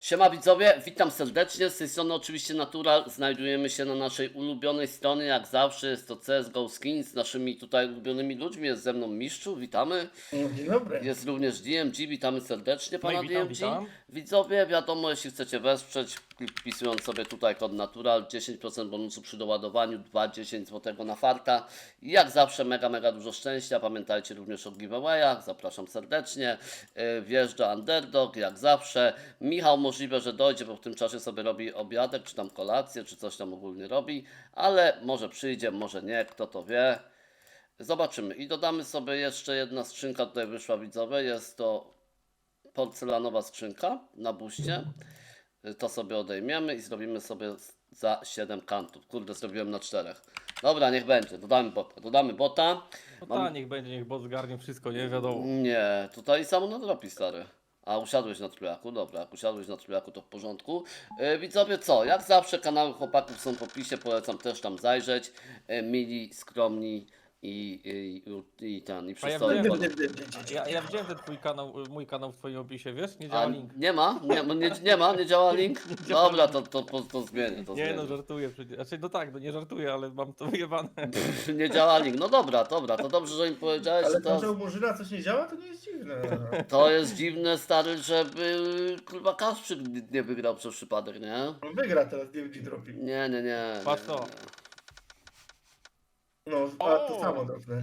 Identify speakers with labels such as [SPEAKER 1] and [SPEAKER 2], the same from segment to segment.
[SPEAKER 1] Siema widzowie, witam serdecznie, z tej strony oczywiście Natural, znajdujemy się na naszej ulubionej stronie, jak zawsze jest to CSGO Skins z naszymi tutaj ulubionymi ludźmi, jest ze mną Mistrzu, witamy.
[SPEAKER 2] Dzień dobry.
[SPEAKER 1] Jest również DMG, witamy serdecznie
[SPEAKER 3] No i
[SPEAKER 1] pana
[SPEAKER 3] witam,
[SPEAKER 1] DMG.
[SPEAKER 3] witam.
[SPEAKER 1] Widzowie, wiadomo, jeśli chcecie wesprzeć, wpisując sobie tutaj kod Natural, 10% bonusu przy doładowaniu, 2,10 zł na farta. I jak zawsze mega dużo szczęścia, pamiętajcie również o giveawayach, zapraszam serdecznie. Wjeżdża Underdog, jak zawsze. Michał możliwe, że dojdzie, bo w tym czasie sobie robi obiadek, czy tam kolację, czy coś tam ogólnie robi, ale może przyjdzie, może nie, kto to wie. Zobaczymy. I dodamy sobie jeszcze jedna skrzynka, tutaj wyszła widzowie, jest to porcelanowa skrzynka na buście. To sobie odejmiemy i zrobimy sobie za 7 kantów. Kurde, zrobiłem na 4. Dobra, niech będzie, dodamy bota.
[SPEAKER 3] No niech będzie, niech bot zgarnie wszystko, nie wiadomo.
[SPEAKER 1] Nie, tutaj samo nadrobi, stary. A usiadłeś na trójjaku? Dobra, jak usiadłeś na trójjaku, to w porządku. Widzowie, co? Jak zawsze kanały chłopaków są w opisie, polecam też tam zajrzeć. Mili, skromni i przystojni.
[SPEAKER 3] Ja widziałem ten twój kanał, mój kanał w twoim opisie, wiesz? Nie
[SPEAKER 1] A
[SPEAKER 3] działa link.
[SPEAKER 1] nie działa link? Dobra, to zmienię, to
[SPEAKER 3] Nie
[SPEAKER 1] zmienię.
[SPEAKER 3] no, żartuję przecież. Znaczy no tak, no nie żartuję, ale mam to wyjebane.
[SPEAKER 1] Nie działa link. No dobra, to dobrze, że im powiedziałeś,
[SPEAKER 2] Ale
[SPEAKER 1] że
[SPEAKER 2] to, że
[SPEAKER 1] to,
[SPEAKER 2] u Murzyna coś nie działa, to nie jest dziwne.
[SPEAKER 1] to jest dziwne, stary, żeby kurwa Kasprzyk nie wygrał przez przypadek, nie?
[SPEAKER 2] On wygra teraz, nie będzie dropi.
[SPEAKER 1] Nie.
[SPEAKER 3] Patrz to.
[SPEAKER 2] No, a to samo dropnęli.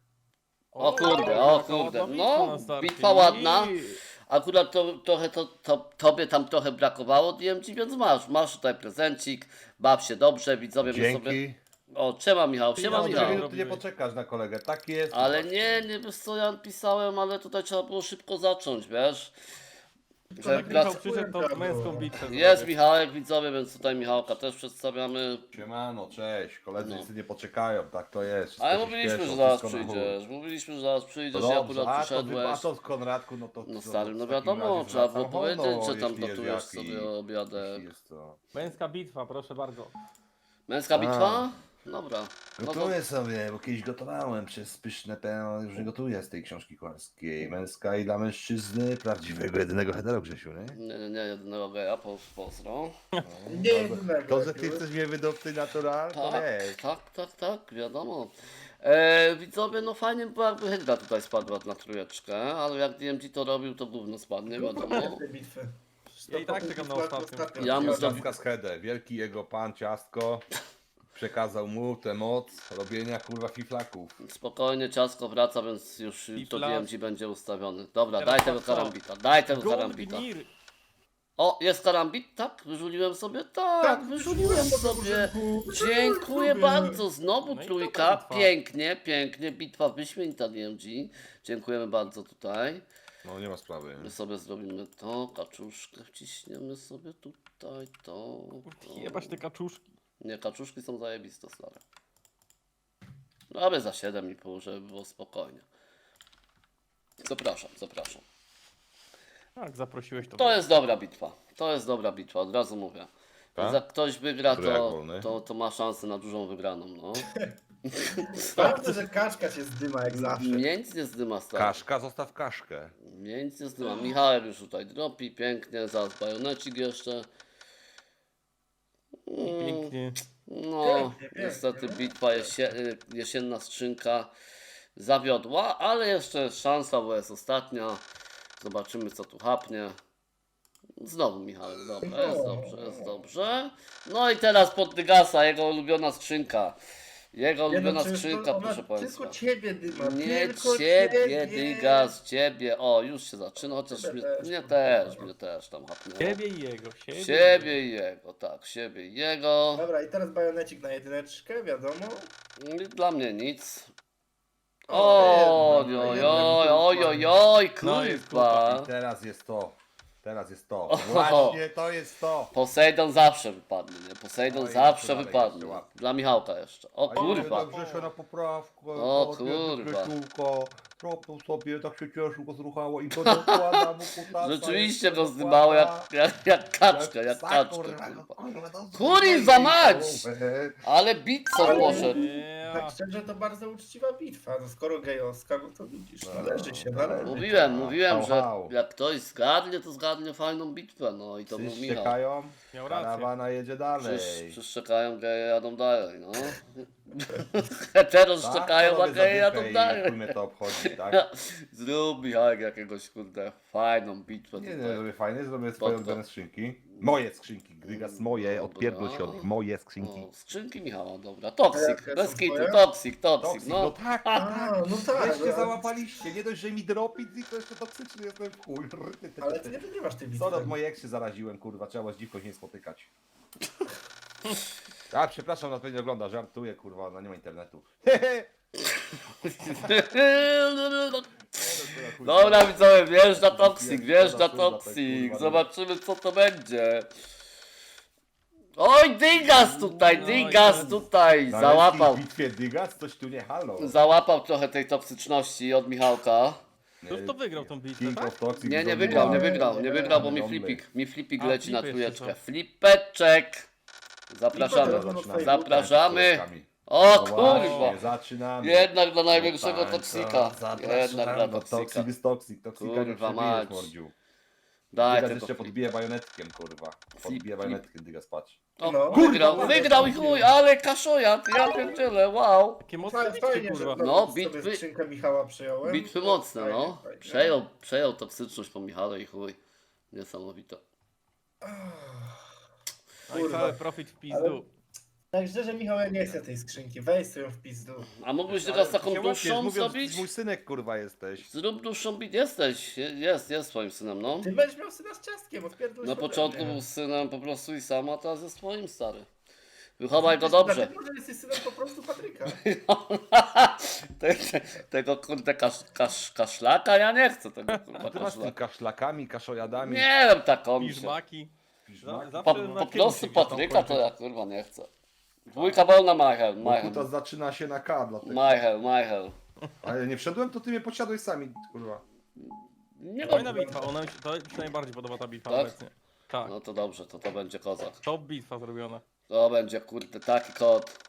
[SPEAKER 1] O kurde,
[SPEAKER 3] jaka ładna
[SPEAKER 1] no,
[SPEAKER 3] bitwa na starcie.
[SPEAKER 1] bitwa ładna. Akurat tobie tam trochę brakowało DMG, więc masz tutaj prezencik, baw się dobrze, widzowie my sobie...
[SPEAKER 4] Dzięki.
[SPEAKER 1] O, siema Michał, siema
[SPEAKER 3] Ja
[SPEAKER 4] No,
[SPEAKER 1] Michał.
[SPEAKER 4] 2 minuty nie poczekasz na kolegę, tak jest.
[SPEAKER 1] Ale nie wiesz co ja pisałem, ale tutaj trzeba było szybko zacząć, wiesz? Że
[SPEAKER 3] Jak
[SPEAKER 1] prac...
[SPEAKER 3] Michał przyszedł, to męską bitwę
[SPEAKER 1] Jest
[SPEAKER 3] zrobię.
[SPEAKER 1] Michałek, widzowie, więc tutaj Michałka też przedstawiamy.
[SPEAKER 4] Siemano, cześć. Koledzy
[SPEAKER 1] No.
[SPEAKER 4] wszyscy nie poczekają, tak to jest. Wszystko
[SPEAKER 1] Ale
[SPEAKER 4] się
[SPEAKER 1] mówiliśmy,
[SPEAKER 4] śpieszą,
[SPEAKER 1] że zaraz
[SPEAKER 4] wszystko na
[SPEAKER 1] przyjdziesz,
[SPEAKER 4] chód.
[SPEAKER 1] mówiliśmy, że zaraz przyjdziesz,
[SPEAKER 4] No
[SPEAKER 1] ja
[SPEAKER 4] dobrze,
[SPEAKER 1] akurat
[SPEAKER 4] a
[SPEAKER 1] przyszedłeś.
[SPEAKER 4] to Konradku, no to...
[SPEAKER 1] No
[SPEAKER 4] to
[SPEAKER 1] stary, no
[SPEAKER 4] w takim
[SPEAKER 1] wiadomo,
[SPEAKER 4] razie
[SPEAKER 1] trzeba było
[SPEAKER 4] wracam
[SPEAKER 1] powiedzieć,
[SPEAKER 4] honor,
[SPEAKER 1] że tam
[SPEAKER 4] jeśli jest
[SPEAKER 1] gotujesz
[SPEAKER 4] jaki.
[SPEAKER 1] sobie
[SPEAKER 4] Jeśli
[SPEAKER 1] obiadek.
[SPEAKER 4] jest to.
[SPEAKER 3] Męska bitwa, proszę bardzo.
[SPEAKER 1] Męska bitwa? Dobra. No to,
[SPEAKER 4] Gotuję sobie, bo kiedyś gotowałem przez pyszne pełno, już nie gotuję z tej książki kucharskiej. Męska i dla mężczyzny, prawdziwego, jedynego hetero, Grzesiu, nie?
[SPEAKER 1] nie, jedynego geja, pozdro.
[SPEAKER 2] Nie jednego.
[SPEAKER 4] To, że ty chcesz mnie wydobty natural, to wiesz.
[SPEAKER 1] Tak, wiadomo. Widzowie, no fajnie by było, jakby Hydra tutaj spadła na trójeczkę, ale jak DMG to robił, to gówno spadnie, wiadomo.
[SPEAKER 2] Te bitwy.
[SPEAKER 3] Ja i tak czekam na ostatnią.
[SPEAKER 1] Ja mu
[SPEAKER 4] Ciastka z Hedę, wielki jego pan Ciastko przekazał mu tę moc robienia kurwa fiflaków.
[SPEAKER 1] Spokojnie, ciasko wraca, więc już to
[SPEAKER 3] flash.
[SPEAKER 1] DMG będzie ustawiony. Dobra,
[SPEAKER 3] Teraz
[SPEAKER 1] daj tego
[SPEAKER 3] patrz co.
[SPEAKER 1] karambita, daj tego karambita.
[SPEAKER 3] Goldnir.
[SPEAKER 1] O, jest karambit? Tak, wyżuliłem sobie? Tak, wyżuliłem sobie. Dziękuję bardzo. Znowu
[SPEAKER 3] No i
[SPEAKER 1] trójka.
[SPEAKER 3] dobra bitwa.
[SPEAKER 1] Pięknie. Bitwa wyśmienita DMG. Dziękujemy bardzo tutaj.
[SPEAKER 4] No nie ma sprawy.
[SPEAKER 1] My sobie zrobimy to, kaczuszkę wciśniemy sobie tutaj, to.
[SPEAKER 3] Jebać te kaczuszki.
[SPEAKER 1] Nie, kaczuszki są zajebiste, stare. Robię za 7,5, żeby było spokojnie. Zapraszam.
[SPEAKER 3] Tak, zaprosiłeś to.
[SPEAKER 1] To jest dobra bitwa. Od razu mówię.
[SPEAKER 4] Tak?
[SPEAKER 1] Jak ktoś wygra,
[SPEAKER 4] Który jak wolny?
[SPEAKER 1] to ma szansę na dużą wygraną, no.
[SPEAKER 2] Sprawdzę, że kaczka się zdyma jak zawsze.
[SPEAKER 1] Mnie nic nie zdyma, stary.
[SPEAKER 4] Kaszka, zostaw kaszkę.
[SPEAKER 1] Mnie nic nie zdyma. Michałek już tutaj dropi, pięknie, zaraz bajonecik jeszcze.
[SPEAKER 3] Pięknie.
[SPEAKER 1] No,
[SPEAKER 2] Pięknie,
[SPEAKER 1] niestety
[SPEAKER 2] pięknie.
[SPEAKER 1] bitwa jesienna skrzynka zawiodła, ale jeszcze jest szansa, bo jest ostatnia. Zobaczymy, co tu hapnie. Znowu Michał, dobra, jest dobrze. No i teraz pod Dygasa, jego ulubiona skrzynka. Jego ulubiona skrzynka, proszę Państwa.
[SPEAKER 2] Tylko ciebie dyma.
[SPEAKER 1] Nie
[SPEAKER 2] tylko
[SPEAKER 1] ciebie, Dygas, ciebie. O, już się zaczyna, chociaż mnie też tam hapnęło.
[SPEAKER 3] Siebie i jego,
[SPEAKER 1] Siebie i jego, tak, siebie i jego.
[SPEAKER 2] Dobra, i teraz bajonecik na jedyneczkę, wiadomo.
[SPEAKER 1] Dla mnie nic.
[SPEAKER 2] O,
[SPEAKER 1] Ojojoj,
[SPEAKER 3] No jest
[SPEAKER 1] kurwa.
[SPEAKER 4] I teraz jest to. Właśnie to jest to.
[SPEAKER 1] Posejdon zawsze wypadnie, nie? Posejdon
[SPEAKER 4] No i
[SPEAKER 1] zawsze
[SPEAKER 4] dalej
[SPEAKER 1] wypadnie.
[SPEAKER 4] jeszcze łapie.
[SPEAKER 1] Dla Michałka jeszcze. O
[SPEAKER 4] A
[SPEAKER 1] kurwa.
[SPEAKER 4] ile Grzesio na poprawkę.
[SPEAKER 1] O kurwa.
[SPEAKER 4] Grzesiulko, Kropnął sobie, tak się cieszył, go zruchało i to dokłada mu kutasa.
[SPEAKER 1] Rzeczywiście
[SPEAKER 4] jeszcze
[SPEAKER 1] go zdymało jak kaczka, jak
[SPEAKER 4] psa,
[SPEAKER 1] kaczka,
[SPEAKER 4] kurwa,
[SPEAKER 1] kurwa.
[SPEAKER 4] kurwa, to
[SPEAKER 1] Kurwa mać!
[SPEAKER 4] głowę.
[SPEAKER 1] Ale bitco
[SPEAKER 2] Ale-
[SPEAKER 1] poszedł.
[SPEAKER 2] Tak
[SPEAKER 3] Ja.
[SPEAKER 2] szczerze, to bardzo uczciwa bitwa. No skoro gejowska, no to widzisz,
[SPEAKER 4] No,
[SPEAKER 2] należy się,
[SPEAKER 4] no,
[SPEAKER 2] należy.
[SPEAKER 1] Mówiłem, że
[SPEAKER 4] Hał.
[SPEAKER 1] jak ktoś zgarnie, to zgarnie fajną bitwę, no i to był
[SPEAKER 4] Wszyscy
[SPEAKER 1] Michał.
[SPEAKER 4] czekają,
[SPEAKER 3] Miał rację.
[SPEAKER 4] karawana jedzie dalej.
[SPEAKER 1] Wszyscy czekają, geje jadą dalej, no. Heteros
[SPEAKER 4] Tak,
[SPEAKER 1] czekają,
[SPEAKER 4] to
[SPEAKER 1] a
[SPEAKER 4] robię
[SPEAKER 1] geje
[SPEAKER 4] zadychę
[SPEAKER 1] jadą
[SPEAKER 4] i
[SPEAKER 1] dalej.
[SPEAKER 4] chuj mnie to obchodzi, tak?
[SPEAKER 1] Zrób Michałek jakiegoś, kurde, fajną bitwę
[SPEAKER 4] Nie,
[SPEAKER 1] tutaj.
[SPEAKER 4] zrobię fajnie, zrobię swoje
[SPEAKER 1] Spoko.
[SPEAKER 4] ulubione skrzynki. Moje skrzynki, Grygas, moje, odpierdol się od nich, moje skrzynki.
[SPEAKER 1] O, skrzynki Michała, dobra.
[SPEAKER 2] A
[SPEAKER 1] Toxic,
[SPEAKER 2] jakie
[SPEAKER 1] bez
[SPEAKER 2] są
[SPEAKER 1] kitu,
[SPEAKER 2] twoje?
[SPEAKER 1] toxic,
[SPEAKER 4] Toksik,
[SPEAKER 1] no.
[SPEAKER 4] no tak,
[SPEAKER 2] A,
[SPEAKER 4] tak.
[SPEAKER 2] no tak.
[SPEAKER 4] Weźcie
[SPEAKER 2] no,
[SPEAKER 4] załapaliście, nie dość, że mi dropi, to jeszcze toksyczny jestem w chuj.
[SPEAKER 2] ale ty nie wygrywasz tej bitwy.
[SPEAKER 4] Sorry, od mojej ex się zaraziłem, kurwa, trzeba z dziwką się nie spotykać. A, przepraszam, na to nie ogląda, żartuję, kurwa, ona nie ma internetu.
[SPEAKER 1] Dobra widzowie, wjeżdża Toxic, wjeżdża
[SPEAKER 4] Kurwa,
[SPEAKER 1] Toxic.
[SPEAKER 4] kurwa,
[SPEAKER 1] Zobaczymy co to będzie. Oj, Dygas tutaj,
[SPEAKER 3] No,
[SPEAKER 1] Dygas
[SPEAKER 3] i teraz-
[SPEAKER 1] tutaj.
[SPEAKER 4] Na
[SPEAKER 1] Załapał.
[SPEAKER 4] leskiej bitwie Dygas, coś tu nie halo.
[SPEAKER 1] Załapał trochę tej toksyczności od Michałka.
[SPEAKER 3] Już to wygrał tą bitwę,
[SPEAKER 4] King
[SPEAKER 3] tak?
[SPEAKER 4] of Toxic
[SPEAKER 1] Nie
[SPEAKER 4] zdobywa-
[SPEAKER 1] wygrał,
[SPEAKER 2] nie
[SPEAKER 1] wygrał, bo
[SPEAKER 4] Dombler.
[SPEAKER 1] mi flipik
[SPEAKER 3] A,
[SPEAKER 1] leci na
[SPEAKER 3] flipy jeszcze
[SPEAKER 1] trójeczkę.
[SPEAKER 3] są.
[SPEAKER 1] Flipeczek. Zapraszamy.
[SPEAKER 2] Flipy to
[SPEAKER 4] Zaczynamy.
[SPEAKER 1] Zapraszamy. O
[SPEAKER 4] No
[SPEAKER 1] kurwa.
[SPEAKER 4] właśnie, zaczynamy.
[SPEAKER 1] Jednak dla największego
[SPEAKER 4] No
[SPEAKER 1] toksika.
[SPEAKER 4] tak,
[SPEAKER 1] Jednak dla
[SPEAKER 4] no,
[SPEAKER 1] toksika.
[SPEAKER 4] Toxic jest toksik, toksika nie
[SPEAKER 1] Kurwa
[SPEAKER 4] przebijesz,
[SPEAKER 1] mać.
[SPEAKER 4] mordziu.
[SPEAKER 1] Daj
[SPEAKER 4] Dygas
[SPEAKER 1] tego
[SPEAKER 4] jeszcze
[SPEAKER 1] flip.
[SPEAKER 4] podbije bajonetkiem, kurwa. Podbije
[SPEAKER 1] Flip.
[SPEAKER 4] bajonetkiem, Dygas, patrz.
[SPEAKER 1] O,
[SPEAKER 2] No.
[SPEAKER 1] wygrał i chuj, ale kaszojat, ja pierdzielę, wow.
[SPEAKER 3] Takie mocne bitwy,
[SPEAKER 2] Fajnie, że
[SPEAKER 3] kurwa.
[SPEAKER 1] No,
[SPEAKER 2] sobie
[SPEAKER 1] bitwy-
[SPEAKER 2] skrzynkę Michała przyjąłem.
[SPEAKER 1] Bitwy
[SPEAKER 2] To
[SPEAKER 1] mocne,
[SPEAKER 2] fajnie,
[SPEAKER 1] no.
[SPEAKER 2] fajnie.
[SPEAKER 1] Przejął toksyczność po Michale i chuj. Niesamowite.
[SPEAKER 3] No i cały profit w pizdu.
[SPEAKER 2] Ale- Tak szczerze, Michał, ja nie chcę tej skrzynki. Weź sobie ją w pizdu.
[SPEAKER 1] A mógłbyś
[SPEAKER 4] Ale
[SPEAKER 1] teraz taką
[SPEAKER 4] się łapiesz,
[SPEAKER 1] dłuższą
[SPEAKER 4] mówiąc,
[SPEAKER 1] zrobić?
[SPEAKER 4] mój synek, kurwa, jesteś.
[SPEAKER 1] Zrób dłuższą bit, jest twoim synem, no.
[SPEAKER 2] Ty będziesz miał syna z ciastkiem, odpierdol się
[SPEAKER 1] Na
[SPEAKER 2] ode
[SPEAKER 1] początku
[SPEAKER 2] mnie.
[SPEAKER 1] był synem po prostu i sam, a teraz jest twoim stary. Wychowaj go dobrze.
[SPEAKER 2] Dlatego, że jesteś synem po prostu Patryka.
[SPEAKER 1] Tego kurde kaszlaka ja nie chcę tego kurwa
[SPEAKER 4] A ty masz z tym
[SPEAKER 1] kaszlaka.
[SPEAKER 4] kaszlakami, kaszojadami.
[SPEAKER 1] Nie wiem taką mi się.
[SPEAKER 3] Piżmaki.
[SPEAKER 4] Piżmaki.
[SPEAKER 3] Zawsze
[SPEAKER 1] Po
[SPEAKER 3] na
[SPEAKER 1] prostu
[SPEAKER 3] filmu się
[SPEAKER 1] Patryka
[SPEAKER 3] gdzieś
[SPEAKER 1] to
[SPEAKER 3] tam
[SPEAKER 1] ja kurwa nie chcę. Dwójka wolna Michael,
[SPEAKER 4] Bo kuta
[SPEAKER 1] Michael.
[SPEAKER 4] zaczyna się na K, dlatego.
[SPEAKER 1] Michael.
[SPEAKER 4] Ale nie wszedłem, to ty mnie posiadłeś sami, kurwa.
[SPEAKER 1] Nie
[SPEAKER 3] kończy. Fajna
[SPEAKER 1] wiem.
[SPEAKER 3] bitwa, to mi się najbardziej podoba ta bitwa
[SPEAKER 1] Tak?
[SPEAKER 3] obecnie. Tak,
[SPEAKER 1] No to dobrze, to będzie kozak.
[SPEAKER 3] top bitwa zrobiona.
[SPEAKER 1] To będzie kurde taki kod.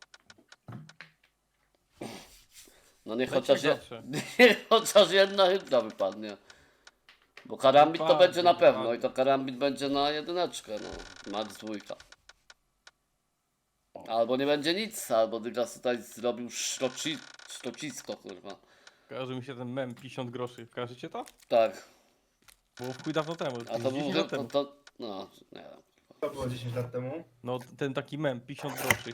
[SPEAKER 1] No niech
[SPEAKER 3] Leci
[SPEAKER 1] chociaż,
[SPEAKER 3] zawsze.
[SPEAKER 1] niech chociaż jedna hydra wypadnie. Bo karambit to
[SPEAKER 3] Dokładnie,
[SPEAKER 1] będzie na pewno
[SPEAKER 3] dokładnie.
[SPEAKER 1] i to karambit będzie na jedyneczkę, no. Max dwójka. Albo nie będzie nic, albo Dygas tutaj zrobił szrocisko, kurwa.
[SPEAKER 3] Kojarzy mi się ten mem 50 groszy. Kojarzycie to?
[SPEAKER 1] Tak,
[SPEAKER 3] Było w chuj dawno temu.
[SPEAKER 1] a to
[SPEAKER 3] 10
[SPEAKER 1] był
[SPEAKER 3] lat temu.
[SPEAKER 1] no, nie wiem.
[SPEAKER 2] To było 10 lat temu.
[SPEAKER 3] No ten taki mem 50 groszy.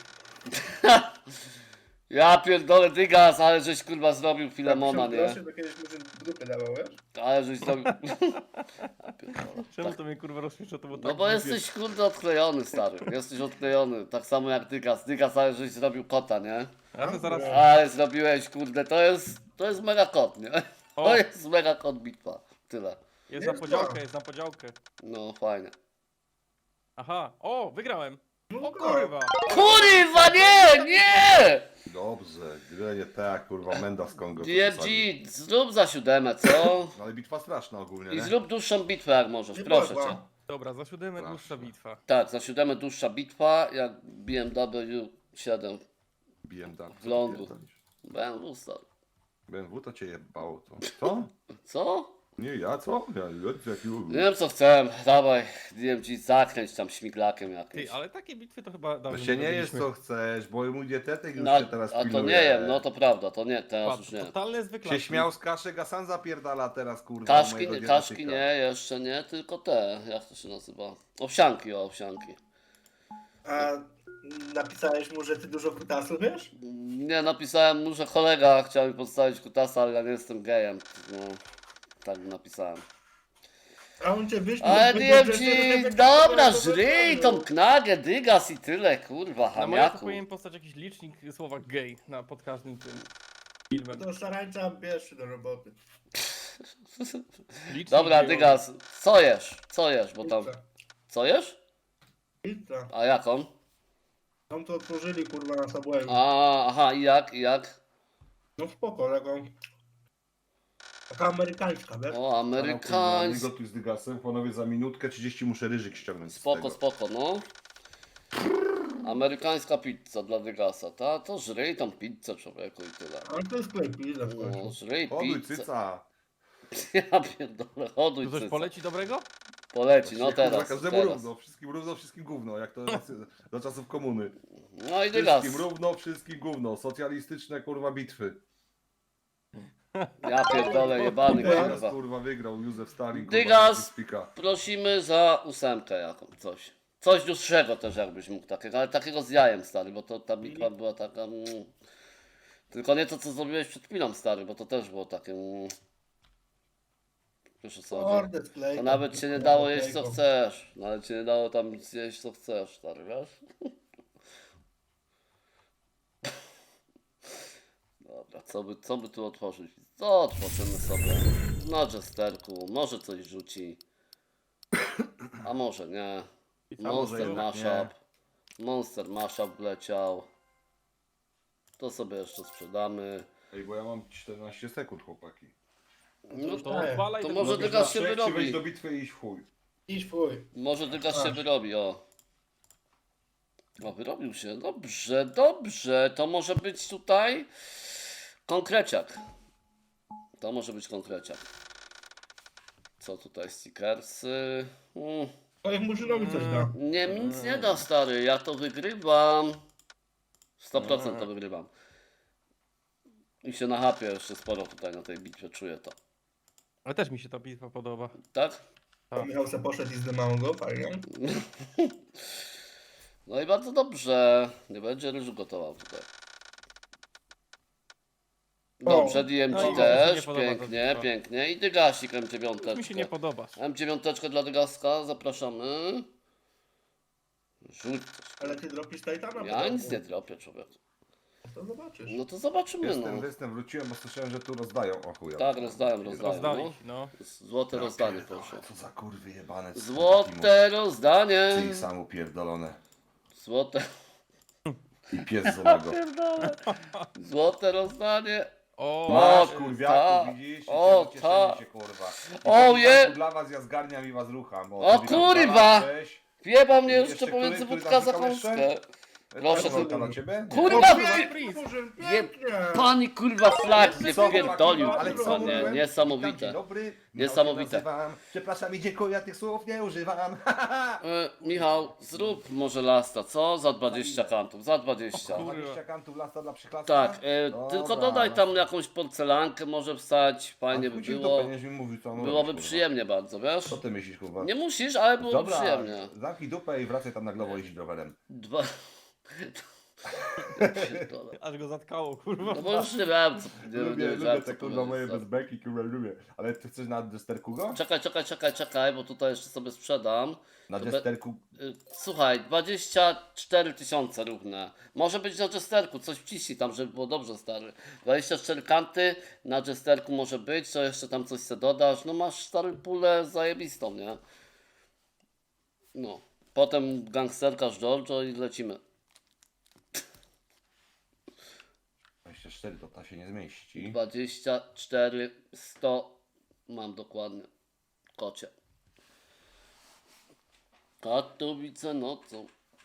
[SPEAKER 1] Ja pierdolę Dygas, ale żeś kurwa zrobił Filemona, nie?
[SPEAKER 2] Proszę, to kiedyś murzyn w dupy dawał, wiesz?
[SPEAKER 1] Ale żeś zrobił... Ja pierdolę.
[SPEAKER 3] Czemu to mnie kurwa rozśmiesza? To było
[SPEAKER 1] No
[SPEAKER 3] tak
[SPEAKER 1] bo
[SPEAKER 3] głupie.
[SPEAKER 1] jesteś kurde odklejony, stary. Jesteś odklejony. Tak samo jak Dygas. Dygas, ale żeś zrobił kota, nie?
[SPEAKER 3] Ale zaraz...
[SPEAKER 1] Ale zrobiłeś, kurde, to jest mega kot, nie?
[SPEAKER 3] O!
[SPEAKER 1] To jest mega kot bitwa. Tyle.
[SPEAKER 3] Jest na podziałkę, jest na podziałkę.
[SPEAKER 1] No fajnie.
[SPEAKER 3] Aha, o, wygrałem.
[SPEAKER 2] No
[SPEAKER 3] O kurwa.
[SPEAKER 1] Kurwa, nie!
[SPEAKER 4] Dobrze, gry nie tak, kurwa, Menda z Kongo.
[SPEAKER 1] DFG, zrób za siódemę, co?
[SPEAKER 4] No ale bitwa straszna ogólnie,
[SPEAKER 1] I
[SPEAKER 4] nie?
[SPEAKER 1] zrób dłuższą bitwę jak możesz,
[SPEAKER 2] Nie
[SPEAKER 1] proszę
[SPEAKER 2] była.
[SPEAKER 1] cię.
[SPEAKER 3] Dobra, za siódemę
[SPEAKER 4] Proszę.
[SPEAKER 3] dłuższa bitwa.
[SPEAKER 1] Tak, za siódemę dłuższa bitwa, jak BMW 7
[SPEAKER 4] BMW.
[SPEAKER 1] w lądu. BMW, stary.
[SPEAKER 4] BMW to cię jebało, to. Co?
[SPEAKER 1] Co?
[SPEAKER 4] Nie, ja co? Ja
[SPEAKER 1] Nie wiem co chcę, dawaj, DMG zakręć tam śmiglakiem jakimś.
[SPEAKER 3] Ty, ale takie bitwy to chyba dawno
[SPEAKER 4] Właśnie nie jest
[SPEAKER 3] robiliśmy.
[SPEAKER 4] co chcesz, bo mój dietetyk już
[SPEAKER 1] No,
[SPEAKER 4] się teraz
[SPEAKER 1] a to
[SPEAKER 4] pilnuje.
[SPEAKER 1] nie wiem, no to prawda, to nie, teraz
[SPEAKER 3] Patrz,
[SPEAKER 1] już nie.
[SPEAKER 3] totalne zwykle.
[SPEAKER 4] Się śmiał z kaszek, a sam zapierdala teraz, kurwa,
[SPEAKER 1] Kaszki,
[SPEAKER 4] mojego
[SPEAKER 1] nie,
[SPEAKER 4] dietetyka.
[SPEAKER 1] kaszki nie, jeszcze nie, tylko te, jak to się nazywa? Owsianki, owsianki.
[SPEAKER 2] A napisałeś mu, że ty dużo kutasu wiesz?
[SPEAKER 1] Nie, napisałem mu, że kolega chciał mi podstawić kutasa, ale ja nie jestem gejem. No, tak napisałem.
[SPEAKER 2] A on cię wyśmiał.
[SPEAKER 1] Ale
[SPEAKER 2] powiedział,
[SPEAKER 1] DMG,
[SPEAKER 2] że ty
[SPEAKER 1] dobra,
[SPEAKER 2] to
[SPEAKER 1] żryj tą knagę, dygas i tyle, kurwa,
[SPEAKER 3] Na moje to
[SPEAKER 1] hamiaku.
[SPEAKER 3] powinien powstać jakiś licznik słowa gay pod każdym tym filmem.
[SPEAKER 2] To szarańcza bierz do roboty.
[SPEAKER 3] Licznik
[SPEAKER 1] Dobra,
[SPEAKER 3] gejowy.
[SPEAKER 1] dygas, co jesz, bo tam, co jesz?
[SPEAKER 2] Pizza.
[SPEAKER 1] A jaką?
[SPEAKER 2] Tam to otworzyli kurwa na Subwayu.
[SPEAKER 1] Aha, i jak?
[SPEAKER 2] No spoko, taką taka amerykańska, wiesz?
[SPEAKER 1] O, amerykański.
[SPEAKER 4] Gotuj z dygasem, panowie za minutkę 30 muszę ryżyk ściągnąć z
[SPEAKER 1] Spoko,
[SPEAKER 4] tego.
[SPEAKER 1] spoko, no. Amerykańska pizza dla Dygasa, ta? To żryj tą pizzę, człowieku, i tyle.
[SPEAKER 2] Ale to jest sklep, ile w
[SPEAKER 1] No,
[SPEAKER 2] końcu.
[SPEAKER 1] żryj
[SPEAKER 4] Oduj
[SPEAKER 1] pizzę.
[SPEAKER 4] cyca.
[SPEAKER 1] Ja pierdolę, hoduj
[SPEAKER 3] Tu coś
[SPEAKER 1] cyca.
[SPEAKER 3] poleci dobrego?
[SPEAKER 1] Poleci, no
[SPEAKER 4] Kurwa,
[SPEAKER 1] teraz,
[SPEAKER 4] każdemu
[SPEAKER 1] teraz.
[SPEAKER 4] równo, wszystkim gówno, jak to za czasów komuny.
[SPEAKER 1] No i Dygas.
[SPEAKER 4] Wszystkim równo, wszystkim gówno. Socjalistyczne kurwa bitwy.
[SPEAKER 1] Ja pierdolę, jebany,
[SPEAKER 2] Dygas,
[SPEAKER 4] Teraz
[SPEAKER 1] kurwa.
[SPEAKER 4] kurwa wygrał Józef Stalin.
[SPEAKER 1] Dygas.
[SPEAKER 4] Spika.
[SPEAKER 1] Prosimy za 8 jakąś, coś. Coś dłuższego też jakbyś mógł takiego, ale takiego z jajem, stary, bo to ta bitwa była taka... Tylko nie to, co zrobiłeś przed chwilą, stary, bo to też było takie... Wiesz o co chodzi?
[SPEAKER 2] Kurde, sklej.
[SPEAKER 1] To nawet się nie dało jeść co chcesz. Nawet się nie dało tam zjeść co chcesz, stary, wiesz? Dobra, co by tu otworzyć? Co otworzymy sobie? Na jesterku, może coś rzuci. A może nie. Monster
[SPEAKER 4] jednak
[SPEAKER 1] Mashup. Monster Mashup wleciał. To sobie jeszcze sprzedamy.
[SPEAKER 4] Ej, bo ja mam 14 sekund, chłopaki.
[SPEAKER 1] No
[SPEAKER 3] To
[SPEAKER 2] tak.
[SPEAKER 3] odpalaj
[SPEAKER 1] To
[SPEAKER 3] tego
[SPEAKER 1] może
[SPEAKER 3] gościa.
[SPEAKER 1] Dygas się
[SPEAKER 4] Czy
[SPEAKER 1] wyrobi.
[SPEAKER 4] wejść do bitwy i iść w chuj.
[SPEAKER 2] Idź w chuj.
[SPEAKER 1] Może Dygas się
[SPEAKER 2] Aż.
[SPEAKER 1] wyrobi, o. O, wyrobił się. Dobrze, dobrze. To może być tutaj konkreciak. To może być konkreciak. Co tutaj stickersy?
[SPEAKER 2] To ich murzynowi coś da.
[SPEAKER 1] Nie, mi nic nie da, stary. Ja to wygrywam. 100% to wygrywam. I się nachapię jeszcze sporo tutaj na tej bitwie, czuję to.
[SPEAKER 3] Ale też mi się ta bitwa podoba.
[SPEAKER 1] Tak?
[SPEAKER 2] To Michał se poszedł i zdymał go, fajnie.
[SPEAKER 1] No i bardzo dobrze. Nie będzie ryżu gotował tutaj. Dobrze, DMG
[SPEAKER 3] No i mi się
[SPEAKER 1] też,
[SPEAKER 3] nie podoba ta
[SPEAKER 1] pięknie,
[SPEAKER 3] bitwa.
[SPEAKER 1] pięknie. I Dygasik M9.
[SPEAKER 3] Mi się nie podoba.
[SPEAKER 1] M9 dla Dygaska, zapraszamy. Rzuć coś.
[SPEAKER 2] Ale ty dropisz Titana?
[SPEAKER 1] Ja nic nie dropię, człowiek.
[SPEAKER 2] To zobaczysz.
[SPEAKER 1] No to zobaczymy,
[SPEAKER 4] Jestem, wróciłem, bo słyszałem, że tu rozdają. O chuja.
[SPEAKER 1] Tak, rozdają.
[SPEAKER 3] Rozdali, no.
[SPEAKER 1] Złote rozdanie, proszę.
[SPEAKER 4] Co za kurwy jebane.
[SPEAKER 1] Złote rozdanie.
[SPEAKER 4] Ty samo pierdolone.
[SPEAKER 1] Złote.
[SPEAKER 4] I pies z onego.
[SPEAKER 1] Złote rozdanie.
[SPEAKER 3] O,
[SPEAKER 1] O,
[SPEAKER 4] Masz kurwiaku,
[SPEAKER 1] ta.
[SPEAKER 4] widzisz?
[SPEAKER 1] O,
[SPEAKER 4] Cieszenie
[SPEAKER 1] ta.
[SPEAKER 4] się, kurwa.
[SPEAKER 1] O, je.
[SPEAKER 4] Dla was ja zgarniam i was rucham.
[SPEAKER 1] O,
[SPEAKER 4] ty
[SPEAKER 1] kurwa.
[SPEAKER 4] cześć.
[SPEAKER 1] Wjeba mnie
[SPEAKER 4] Jeszcze
[SPEAKER 1] jeszcze
[SPEAKER 4] który-
[SPEAKER 1] pomiędzy
[SPEAKER 4] który
[SPEAKER 1] wódka za
[SPEAKER 4] zamykał jeszcze?
[SPEAKER 1] kąskę. Proszę,
[SPEAKER 4] Proszę,
[SPEAKER 1] ty-
[SPEAKER 4] na ciebie? Nie.
[SPEAKER 1] Kurwa,
[SPEAKER 2] O,
[SPEAKER 1] ty-
[SPEAKER 2] pięknie, Murzyn,
[SPEAKER 1] Je,
[SPEAKER 2] pięknie!
[SPEAKER 1] pani kurwa flag nie
[SPEAKER 4] Co,
[SPEAKER 1] wpierdolił,
[SPEAKER 4] chłopaki, ale
[SPEAKER 1] kurwa,
[SPEAKER 4] co
[SPEAKER 1] nie,
[SPEAKER 4] mówiłem? Witam,
[SPEAKER 1] niesamowite.
[SPEAKER 4] dzień dobry. Michał
[SPEAKER 1] Niesamowite.
[SPEAKER 4] się nazywam. Przepraszam i dziękuję, ja tych słów nie używam.
[SPEAKER 1] Michał, zrób może lasta, co? Za 20 kantów, za 20.
[SPEAKER 4] 20 kantów lasta dla przyklastka?
[SPEAKER 1] Tak,
[SPEAKER 4] Dobra,
[SPEAKER 1] tylko dodaj
[SPEAKER 4] no.
[SPEAKER 1] tam jakąś porcelankę, może wstać, fajnie by
[SPEAKER 4] Chuj ci w
[SPEAKER 1] było.
[SPEAKER 4] dupę, niech mi mówi, co mam
[SPEAKER 1] Byłoby
[SPEAKER 4] robić, kurwa.
[SPEAKER 1] przyjemnie bardzo, wiesz?
[SPEAKER 4] Co ty myślisz, kurwa?
[SPEAKER 1] Nie musisz, ale byłoby
[SPEAKER 4] Dobra,
[SPEAKER 1] przyjemnie.
[SPEAKER 4] zamknij dupę i wracaj tam na Glowo jeździć rowerem.
[SPEAKER 1] Dwa... Ja pierdolę.
[SPEAKER 3] aż go zatkało, kurwa.
[SPEAKER 1] No bo już nie wiem, co nie
[SPEAKER 4] Lubię
[SPEAKER 1] wiedziałem,
[SPEAKER 4] te
[SPEAKER 1] co
[SPEAKER 4] kurwa moje
[SPEAKER 1] powiedzieć.
[SPEAKER 4] bezbeki, kurwa lubię. Ale ty chcesz na desterku go?
[SPEAKER 1] Czekaj, bo tutaj jeszcze sobie sprzedam.
[SPEAKER 4] Na
[SPEAKER 1] To be-
[SPEAKER 4] desterku.
[SPEAKER 1] Słuchaj, 24 000 równe. Może być na jesterku, coś wciśnij tam, żeby było dobrze, stary. 24 kanty na jesterku może być, co jeszcze tam coś se dodasz. No masz stary pulę zajebistą, nie? No. Potem gangsterka z Giorgio i lecimy.
[SPEAKER 4] 24 to ta się nie zmieści.
[SPEAKER 1] 24 100 mam dokładnie. Kocie. Katowice nocą.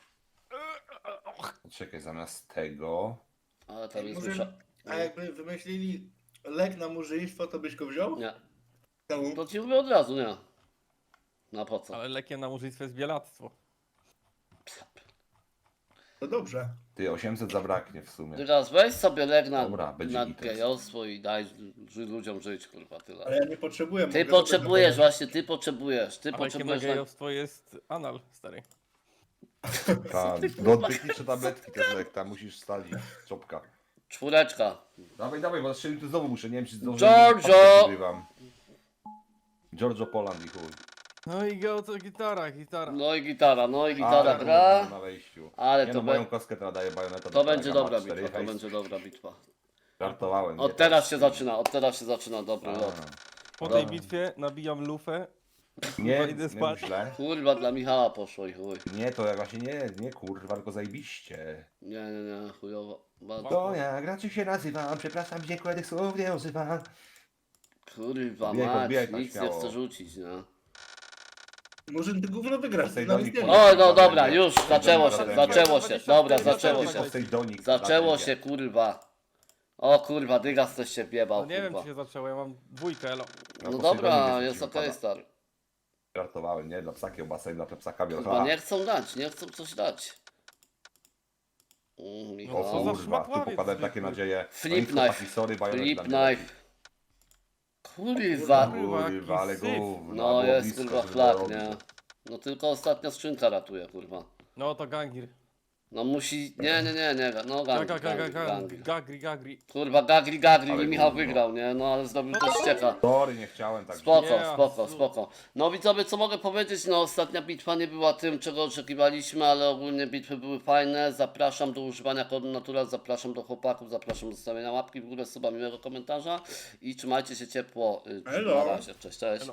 [SPEAKER 4] Czekaj, zamiast tego.
[SPEAKER 1] Ale tam jest
[SPEAKER 2] Murzyn,
[SPEAKER 1] dusza.
[SPEAKER 2] a jakby wymyślili lek na murzyństwo, to byś go wziął?
[SPEAKER 1] Nie.
[SPEAKER 2] Czemu?
[SPEAKER 1] To ci mówię od razu, nie. Na po co?
[SPEAKER 3] Ale lekiem na murzyństwo jest bielactwo.
[SPEAKER 2] To dobrze.
[SPEAKER 4] Ty 800 zabraknie w sumie.
[SPEAKER 1] Teraz weź sobie leg na,
[SPEAKER 4] Dobra, będzie
[SPEAKER 1] na
[SPEAKER 4] gites.
[SPEAKER 1] gejostwo i daj ludziom żyć, kurwa, tyle.
[SPEAKER 2] Ale ja nie potrzebuję.
[SPEAKER 1] Ty
[SPEAKER 2] mogę
[SPEAKER 1] potrzebujesz,
[SPEAKER 2] sobie
[SPEAKER 1] właśnie, ty potrzebujesz, ty
[SPEAKER 3] A lekiem na
[SPEAKER 1] potrzebujesz.
[SPEAKER 3] gejowstwo jest anal, stary.
[SPEAKER 4] Tak, dotychnicze tabletki też lek, tam musisz stalić. Czopka.
[SPEAKER 1] Czwóreczka.
[SPEAKER 4] Dawaj, bo strzelił tu znowu muszę, nie wiem czy zdążę.
[SPEAKER 1] Giorgio!
[SPEAKER 4] Wygrywam. Giorgio Poland i chuj.
[SPEAKER 3] No i go to gitara.
[SPEAKER 1] No i gitara
[SPEAKER 4] Ale
[SPEAKER 1] gra.
[SPEAKER 4] na wejściu.
[SPEAKER 1] Ale
[SPEAKER 4] Nie
[SPEAKER 1] to,
[SPEAKER 4] no, moją kostkę teraz daje bajoneta.
[SPEAKER 1] to będzie dobra bitwa, to będzie dobra bitwa.
[SPEAKER 4] Żartowałem.
[SPEAKER 1] Od teraz się zaczyna dobry lot.
[SPEAKER 3] Po
[SPEAKER 4] Dobra.
[SPEAKER 3] tej bitwie nabijam lufę.
[SPEAKER 4] Nie,
[SPEAKER 3] idę
[SPEAKER 4] nie
[SPEAKER 3] spać.
[SPEAKER 4] mów źle.
[SPEAKER 1] Kurwa, dla Michała poszło i chuj.
[SPEAKER 4] Nie, to jak właśnie nie kurwa, tylko zajebiście.
[SPEAKER 1] Nie, chujowo. Bardzo.
[SPEAKER 4] To ja, graczy się nazywam, przepraszam, dziękuję, tych słów nie używam.
[SPEAKER 1] Kurwa
[SPEAKER 4] Biegł,
[SPEAKER 1] mać,
[SPEAKER 4] biegł,
[SPEAKER 1] nic nie
[SPEAKER 4] śmiało.
[SPEAKER 1] chcę rzucić, nie?
[SPEAKER 2] Murzyn, ty gówno wygrasz.
[SPEAKER 4] Postej
[SPEAKER 2] ty nawet
[SPEAKER 4] do nich.
[SPEAKER 2] nie wiesz.
[SPEAKER 1] O, no dobra, już, zaczęło się,
[SPEAKER 4] Dobra,
[SPEAKER 1] zaczęło się, dobra,
[SPEAKER 3] dobra,
[SPEAKER 1] zaczęło
[SPEAKER 3] dobra,
[SPEAKER 1] się.
[SPEAKER 4] Postejdź do nich.
[SPEAKER 1] Zaczęło
[SPEAKER 4] za
[SPEAKER 1] się, kurwa. O kurwa, dygas coś się
[SPEAKER 3] No
[SPEAKER 1] wjebał,
[SPEAKER 3] nie wiem,
[SPEAKER 1] kurwa.
[SPEAKER 3] czy się zaczęło, ja mam dwójkę, elo.
[SPEAKER 1] No
[SPEAKER 4] Poseidonii
[SPEAKER 1] dobra,
[SPEAKER 4] jest
[SPEAKER 1] jest okej,
[SPEAKER 4] pada.
[SPEAKER 1] stary.
[SPEAKER 4] Żartowałem, nie? Dla psa kiełbasa i dla psa
[SPEAKER 1] Chyba
[SPEAKER 4] bielcha.
[SPEAKER 1] nie chcą dać, nie chcą coś dać.
[SPEAKER 4] O
[SPEAKER 1] Michał.
[SPEAKER 3] co za
[SPEAKER 4] kurwa, tu
[SPEAKER 3] szmatławiec
[SPEAKER 4] pokładałem
[SPEAKER 3] zwykły.
[SPEAKER 4] takie nadzieje.
[SPEAKER 1] Flip
[SPEAKER 4] No i
[SPEAKER 1] knife.
[SPEAKER 4] chłopaki, sorry, bajonet
[SPEAKER 1] Flip
[SPEAKER 4] dla mnie.
[SPEAKER 1] knife. Kurwa.
[SPEAKER 3] Kurwa, jaki
[SPEAKER 4] Kurwa, ale
[SPEAKER 3] syf.
[SPEAKER 4] gówno.
[SPEAKER 1] No
[SPEAKER 4] było
[SPEAKER 1] jest
[SPEAKER 4] blisko,
[SPEAKER 1] kurwa
[SPEAKER 4] żeby
[SPEAKER 1] flak,
[SPEAKER 4] dorobić.
[SPEAKER 1] nie? No tylko ostatnia skrzynka ratuje, kurwa.
[SPEAKER 3] No to gangir.
[SPEAKER 1] No musi... Nie, no gangri.
[SPEAKER 3] Gagri.
[SPEAKER 1] Kurwa, gagri
[SPEAKER 4] Ale
[SPEAKER 1] i Michał
[SPEAKER 4] gówno.
[SPEAKER 1] wygrał, nie? No ale zdobył też ścieka.
[SPEAKER 4] Sorry, nie chciałem tak.
[SPEAKER 1] Spoko. No widzowie, co mogę powiedzieć? No ostatnia bitwa nie była tym, czego oczekiwaliśmy, ale ogólnie bitwy były fajne. Zapraszam do używania kodu Natural, zapraszam do chłopaków, zapraszam do zostawienia łapki w górę, suba, miłego komentarza i trzymajcie się ciepło. Na
[SPEAKER 2] Elo.
[SPEAKER 1] razie, cześć.
[SPEAKER 3] Elo.